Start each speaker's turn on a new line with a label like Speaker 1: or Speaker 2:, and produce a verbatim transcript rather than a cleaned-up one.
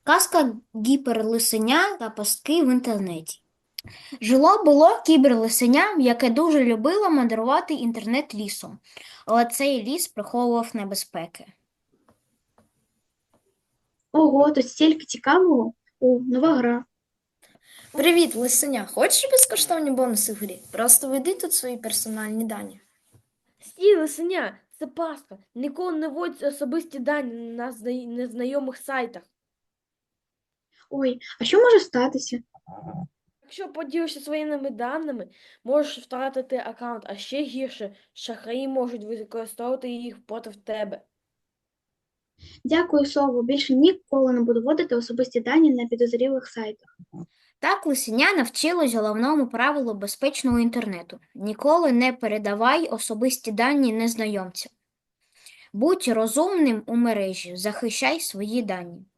Speaker 1: Казка «Гіперлисеня» та пастки в інтернеті. Жило було кіберлисеня, яке дуже любило мандрувати інтернет лісом, але цей ліс приховував небезпеки.
Speaker 2: Ого, тут стільки цікавого. О, нова гра.
Speaker 3: Привіт, лисеня. Хочеш безкоштовні бонуси в грі? Просто введи тут свої персональні дані.
Speaker 4: Стій, лисеня, це пастка. Ніколи не вводь особисті дані на зна- незнайомих сайтах.
Speaker 2: Ой, а що може статися?
Speaker 4: Якщо поділишся своїми даними, можеш втратити аккаунт, а ще гірше, шахраї можуть використовувати їх проти тебе.
Speaker 2: Дякую, Сово. Більше ніколи не буду вводити особисті дані на підозрілих сайтах.
Speaker 1: Так лисеня навчилось головному правилу безпечного інтернету – ніколи не передавай особисті дані незнайомцям. Будь розумним у мережі, захищай свої дані.